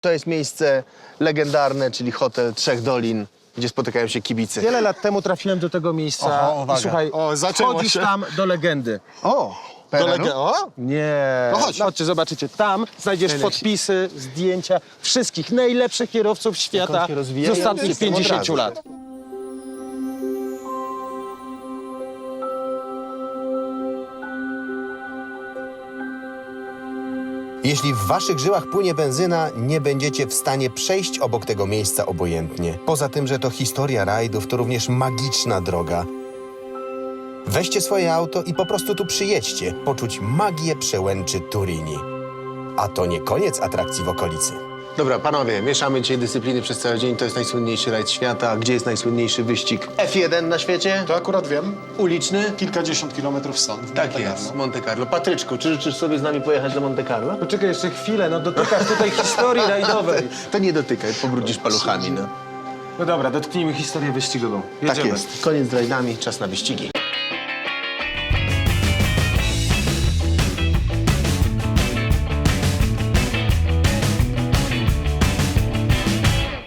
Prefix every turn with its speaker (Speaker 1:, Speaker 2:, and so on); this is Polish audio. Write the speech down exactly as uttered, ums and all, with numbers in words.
Speaker 1: To jest miejsce legendarne, czyli hotel Trzech Dolin, gdzie spotykają się kibice.
Speaker 2: Wiele lat temu trafiłem do tego miejsca
Speaker 1: Oho, uwaga.
Speaker 2: i słuchaj,
Speaker 3: O, zaczęło
Speaker 2: wchodzisz
Speaker 3: się.
Speaker 2: tam do legendy.
Speaker 1: O!
Speaker 3: Do
Speaker 1: Pereru?
Speaker 3: lege- o?
Speaker 2: Nie.
Speaker 3: No chodź.
Speaker 2: Chodźcie, zobaczycie. Tam znajdziesz
Speaker 1: Najlepsi.
Speaker 2: podpisy, zdjęcia wszystkich najlepszych kierowców świata
Speaker 1: się rozwijają,
Speaker 2: z ostatnich
Speaker 1: jestem od
Speaker 2: pięćdziesięciu
Speaker 1: razu.
Speaker 2: lat.
Speaker 4: Jeśli w waszych żyłach płynie benzyna, nie będziecie w stanie przejść obok tego miejsca obojętnie. Poza tym, że to historia rajdów, to również magiczna droga. Weźcie swoje auto i po prostu tu przyjedźcie, poczuć magię przełęczy Turini. A to nie koniec atrakcji w okolicy.
Speaker 1: Dobra, panowie, mieszamy dzisiaj dyscypliny przez cały dzień. To jest najsłynniejszy rajd świata. Gdzie jest najsłynniejszy wyścig F jeden na świecie?
Speaker 3: To akurat wiem.
Speaker 1: Uliczny?
Speaker 3: Kilkadziesiąt kilometrów stąd. w
Speaker 1: Tak
Speaker 3: Monte
Speaker 1: jest,
Speaker 3: Carlo.
Speaker 1: Monte Carlo. Patryczku, czy życzysz sobie z nami pojechać do Monte Carlo?
Speaker 2: Poczekaj jeszcze chwilę, no dotykasz tutaj historii rajdowej.
Speaker 1: To nie dotykaj, pobrudzisz paluchami, no.
Speaker 2: No dobra, dotknijmy historię wyścigową.
Speaker 1: Tak
Speaker 2: Jedziemy.
Speaker 1: jest. Koniec z rajdami, czas na wyścigi.